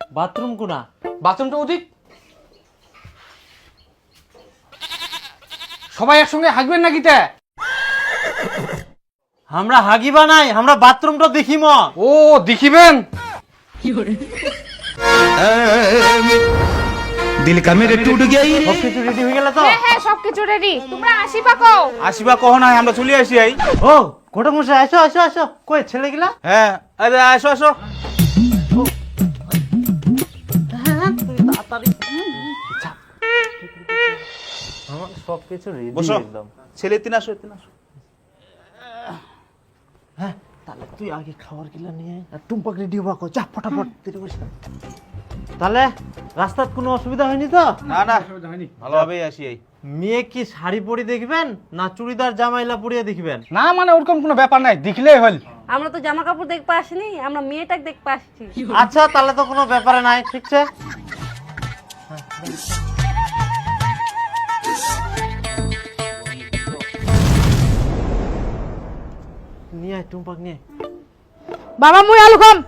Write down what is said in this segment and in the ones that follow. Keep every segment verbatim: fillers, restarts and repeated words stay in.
Bathroom কোনা? বাথরুমটা ওদিক। সবাই একসঙ্গে হাগবেন নাকি তে? আমরা হাগিবা নাই, আমরা বাথরুমটা দেখিম। ও দেখিবেন? দিল কা মেরে টুট গই। সবকিছু রেডি হয়ে গেল তো? হ্যাঁ হ্যাঁ সবকিছু রেডি, তোমরা আসিবা কও? আসিবা কহ নাই, আমরা চলে আসি আই। ও ঘটক মশাই, আসো আসো আসো। কই ছেলেগুলা? হ্যাঁ আরে আসো আসো। আমার সবকিছু রেডি বসো। একদম। ছেলে তিন আসো, তিন আসো। হ্যাঁ তাহলে তুই আগে খাবার গিলা নিয়ে আয়, আর টুম্পাক রেডি হবা কো, যা ফটাফট দেরি করিস না। তাহলে রাস্তার কোনো অসুবিধা হয়নি তো? না না ভালোভাবেই আসি আই। মেয়ে কি শাড়ি পরে দেখবেন না চুড়িদার জামাইলা পরিয়ে দেখবেন? না মানে ওরকম কোনো ব্যাপার নাই, দেখলেই হল। আমরা তো জামা কাপড় দেখতে আসিনি, আমরা মেয়েটাকে দেখতে আসছি। আচ্ছা তাহলে তো কোনো ব্যাপারে নাই, ঠিক আছে। নিয়ে আয় টুম্পাক নিয়ে। বাবা মুই আলু খাম।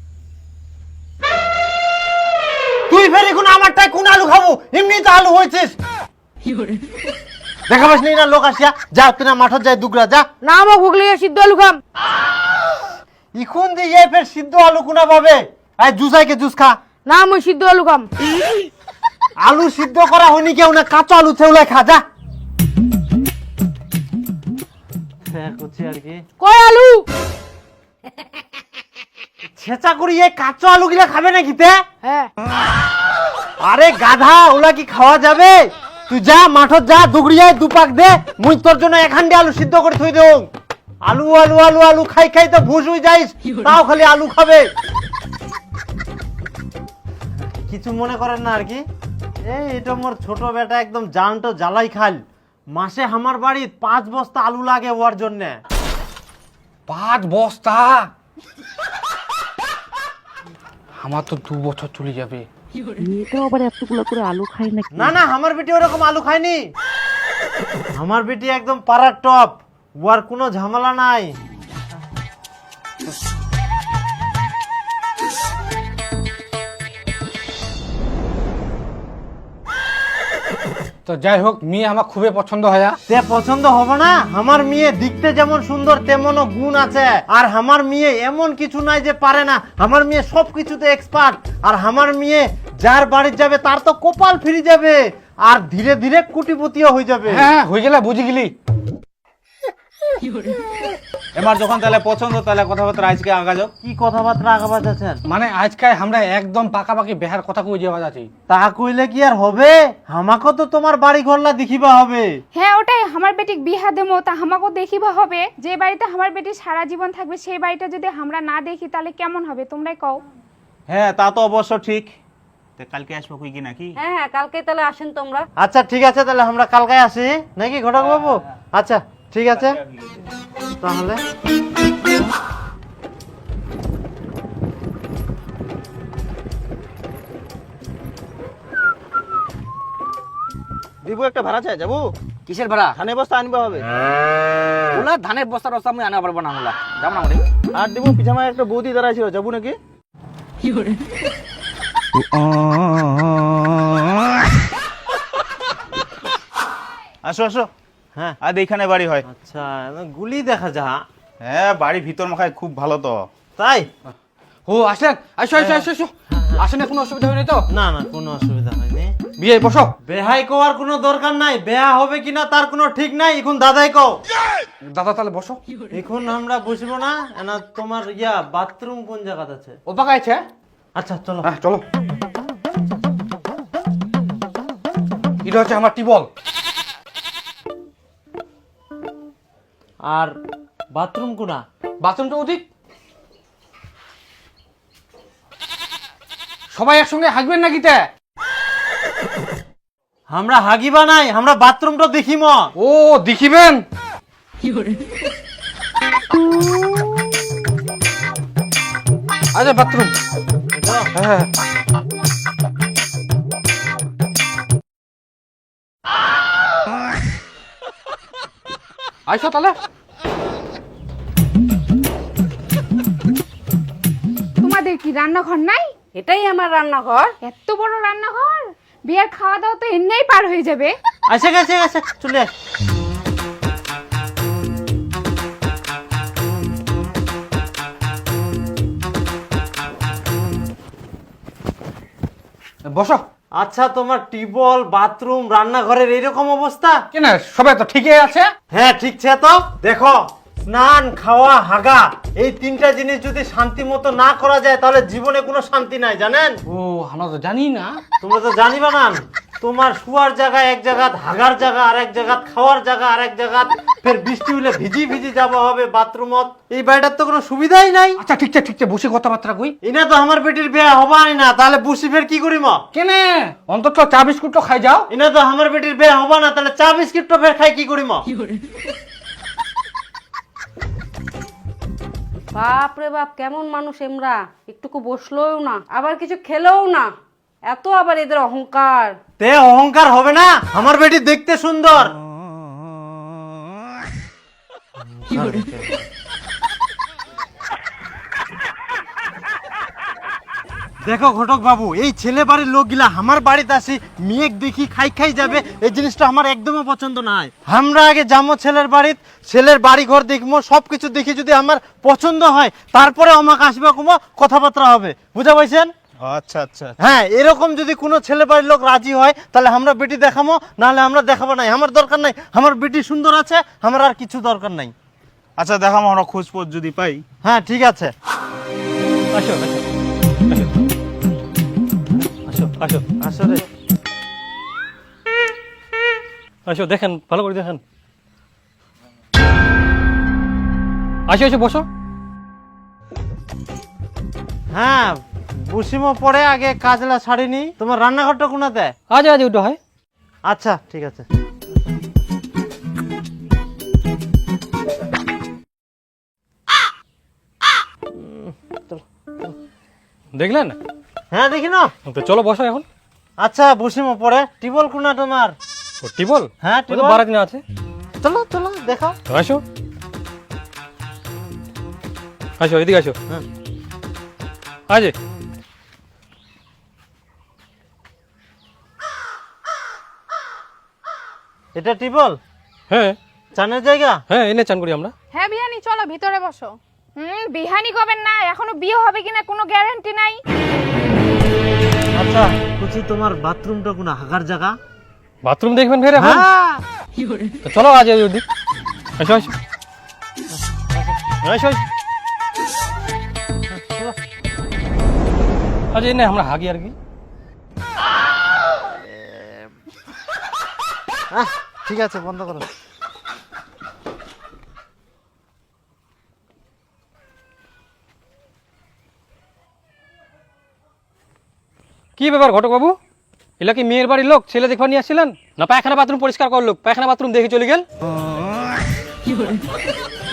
তুই ফের এখন আমারটাই কোন আলু খাবো? এমনি তো আলু হয়েছিস। দেখাবাস নি না লোক আসিয়া? যা তুই না মাঠত যাই দুগরা যা। না আমার গুগলি সিদ্ধ আলু খাম। ইখন দিয়ে ফের সিদ্ধ আলু কোনা পাবে? আয় জুসাইকে জুস খা। না মুই সিদ্ধ আলু খাম। আলু সিদ্ধ করা হয়নি কেউ না, কাঁচা আলু থেউলাই খা যা। হ্যাঁ করছি আর কি। কয় আলু? ছেঁচা করি এই কাঁচা আলু গিলা খাবে নাকি তে? হ্যাঁ। আরে গাধা, ওলা কি খাওয়া যাবে? তুই যা মাঠত যা, দুগড়িয়ায় দুপাক দে, মুই তোর জন্য এখান দিয়ে আলু সিদ্ধ করে থই দেও। আলু আলু আলু আলু খাই খাই তো ভুস হয়ে যাইস, তাও খালি আলু খাবে। কিছু মনে করেন না আর কি। এই এটা মোর ছোট বেটা একদম জানটো জ্বালাই খাল। মাসে আমার বাড়ি পাঁচ বস্তা আলু লাগে ওর জন্য। পাঁচ বস্তা? আমার তো দু বছর চলে যাবে। না না আমার বেটি ওরকম আলু খায়নি। আমার বেটি একদম পাড়ার টপ, ওর কোনো ঝামেলা নাই। তো যাই হোক, মেয়ে আমার খুবই পছন্দ হয়। তে পছন্দ হবে না? আমার মেয়ে দেখতে যেমন সুন্দর তেমনও গুণ আছে। আর আমার মেয়ে এমন কিছু নাই যে পারে না, আমার মেয়ে সব কিছুতে এক্সপার্ট। আর আমার মেয়ে যার বাড়ি যাবে তার তো কপাল ফিরে যাবে, আর ধীরে ধীরে কোটিপতিও হয়ে যাবে। হ্যাঁ হয়ে গেলে বুঝে গেলি। এবার যখন তাহলে পছন্দ, তাহলে কথাবার্তা আজকে আগা যাও। কি কথাবার্তা আগাবাজ আছেন? মানে আজকে আমরা একদম পাকাপাকি বেহার কথা কই যাওয়া যাচ্ছি। তা কইলে কি আর হবে? আমাকে তো তোমার বাড়ি ঘরলা দেখিবা হবে। হ্যাঁ ওটাই, আমার বেটিক বিহা দেবো তা আমাকেও দেখিবা হবে। যে বাড়িতে আমার বেটি সারা জীবন থাকবে সেই বাড়িটা যদি আমরা না দেখি তাহলে কেমন হবে তোমরাই কও। হ্যাঁ তা তো অবশ্য ঠিক। তে কালকে আসবো কই কি নাকি? হ্যাঁ হ্যাঁ কালকে তাহলে আসেন তোমরা। আচ্ছা ঠিক আছে, তাহলে আমরা কালকে আসি নাকি ঘটক বাবু? আচ্ছা ঠিক আছে তাহলে। দিব একটা ভাড়া চাই যাবো। কিসের ভাড়া? ধানের বস্তা আনবা হবে। ওলা ধানের বস্তা রস্তা আমি আনা পারবো না। ওলা যাবো না মানে। আর দিব পিছামায় একটা বৌদি দাঁড়ায় ছিল, যাবো নাকি? আসো আসো। হ্যাঁ আর এইখানে বাড়ি হয়। আচ্ছা গুলি দেখা যা। হ্যাঁ বাড়ি ভিতর মাখায় খুব ভালো তো। তাই? ও আসেন, আসো আসো আসো আসো। আসেন, কোনো অসুবিধা হয়নি তো? না না কোনো অসুবিধা হয়নি। বিয়ে বসো। বেহাই কোয়ার কোনো দরকার নাই, বেহা হবে কিনা তার কোনো ঠিক নাই। এখন দাদাই কও। দাদা তাহলে বসো। এখন আমরা বসবো না, না তোমার ইয়া বাথরুম কোন জায়গাতে আছে? ও পাকা আছে। আচ্ছা চলো। হ্যাঁ চলো। এটা হচ্ছে আমার টিবল। আর বাথরুম কোনা? বাথরুমটা ওদিক। সবাই একসঙ্গে হাগবেন নাকি তে? আমরা হাগিবা নাই, আমরা বাথরুমটা দেখিম। ও দেখিবেন? আচ্ছা বাথরুম। হ্যাঁ আইসো তাহলে। তোমাদের কি রান্নাঘর নাই? এটাই আমার রান্নাঘর। এত বড় রান্নাঘর, বিয়ের খাওয়া দাওয়া তো এমনিই পার হয়ে যাবে। আসে গেছে গেছে চলে আয়। বসো। আচ্ছা, তোমার টিউবওয়েল, বাথরুম, রান্নাঘরের এইরকম অবস্থা? কেন সবাই তো ঠিকই আছে। হ্যাঁ ঠিক আছে। তো দেখো, স্নান, খাওয়া, হাগা, এই তিনটা জিনিস যদি শান্তি মতো না করা যায় তাহলে জীবনে কোনো শান্তি নাই, জানেন? ও আমরা তো জানি না। তোমরা তো জানিবা না, তোমার শুয়ার জায়গা এক জায়গা, হাগার জায়গা আর এক জায়গা, খাওয়ার জায়গা আর এক জায়গা, ফের বৃষ্টি হলে ভিজি ভিজি যাওয়া হবে বাথরুমত। এই বাড়িটার তো কোনো সুবিধাই নাই। আচ্ছা ঠিক আছে ঠিক আছে, বসে কথাবার্তা কই। এনা তো আমার বেটির বিয়ে হবাই না, তাহলে বসি ফের কি করিম? কেন অন্তত চা বিস্কুট তো খাই যাও। এনা তো আমার বেটির বিয়ে হবা না, তাহলে চা বিস্কিট তো ফের খাই কি করিম? বাপ রে বাপ, কেমন মানুষ এমরা, একটুকু বসলোও না, আবার কিছু খেলেও না, এত আবার এদের অহংকার। তে অহংকার হবে না? আমার বেটি দেখতে সুন্দর। দেখো ঘটক বাবু, এই ছেলে বাড়ির লোকগুলা আমার বাড়িতে আসি মেয়ে দেখি খাই খাই যাবে, এই জিনিসটা আমার একদমই পছন্দ নাই। আমরা আগে যাবো ছেলের বাড়িতে, ছেলের বাড়ি ঘর দেখবো, সবকিছু দেখি যদি আমার পছন্দ হয় তারপরে আমাকে আসবে কুমো কথাবার্তা হবে, বুঝা পাইছেন? আচ্ছা আচ্ছা হ্যাঁ, এরকম যদি কোনো ছেলে বাড়ির লোক রাজি হয় তাহলে আমরা বেটি দেখাবো, নাহলে আমরা দেখাবো নাই। আমার দরকার নাই, আমার বেটি সুন্দর আছে, আমার আর কিছু দরকার নাই। আচ্ছা দেখাম আমরা খোঁজ পোজ যদি পাই। হ্যাঁ ঠিক আছে। আসো আসো আসো আসলে আসো, দেখেন ভালো করে দেখেন। আসো আসো বসো। হ্যাঁ বসিমো, পরে আগে কাজলা ছাড়িনি। তোমার রান্নাঘরটা কোনাতে? আজ আজ ওটা হয়। আচ্ছা ঠিক আছে। দেখলেন? হ্যাঁ দেখি না। তো চলো বসো এখন। আচ্ছা বসিমো, পরে টিবল কোনা তোমার? ও টিবল? হ্যাঁ ওই তো টিবল। বারাদিনে আছে। চলো চলো দেখাও। তো আসো আসো, এদিকে আসো। হ্যাঁ। আজ এটা টিবল? হ্যাঁ চানের জায়গা? হ্যাঁ, এনে চান করি আমরা। হ্যাঁ বিহানি, চলো ভিতরে বসো। হুম, বিহানি করবেন না, এখনো বিয়ে হবে কিনা কোনো গ্যারান্টি নাই। আচ্ছা কুচি, তোমার বাথরুমটা কোনা, হাগার জায়গা? বাথরুম দেখবেন ফের এখন? হ্যাঁ। তো চলো আজ ওদিক। আসো আসো আসো আসো। আজ এনে আমরা হাগি আর কি। আহ, ঠিক আছে, বন্ধ করো। কি ব্যাপার ঘটক বাবু, এলা কি মেয়ের বাড়ির লোক ছেলে দেখবার নিয়ে আসছিলেন? না পায়খানা বাথরুম পরিষ্কার করলো, পায়খানা বাথরুম দেখে চলে গেল?